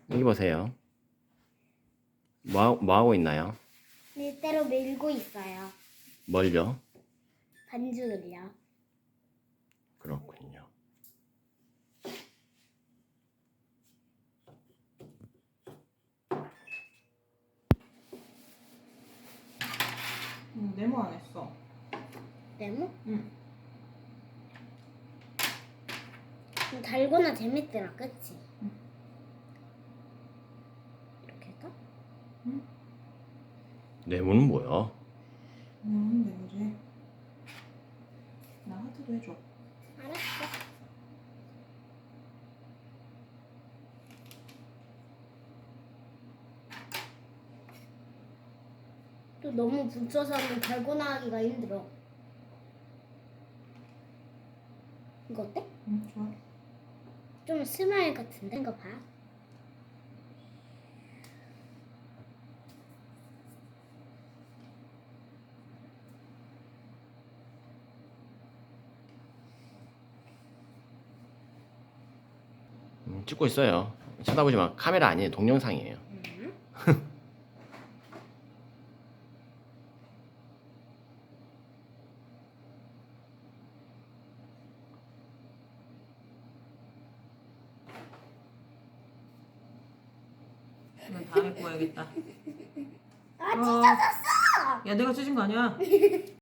여기 보세요. 뭐 하고 있나요? 밀대로 밀고 있어요. 뭘요? 반죽을요. 그렇군요. 네모 안 했어. 네모? 응. 좀 달거나 재밌더라, 그치? 응. 이렇게 해서? 네모는 뭐야? 네모지. 나 하트도 해줘. 알았어. 또 너무 붙여서는 달고나 하기가 힘들어. 이거 어때? 응, 좋아. 좀 스마일 같은데? 이거 봐. 찍고 있어요. 쳐다보지 마. 카메라 아니에요. 동영상이에요. 이건 다음에 구워야겠다. 아, 찢어졌어! 야, 내가 찢은 거 아니야?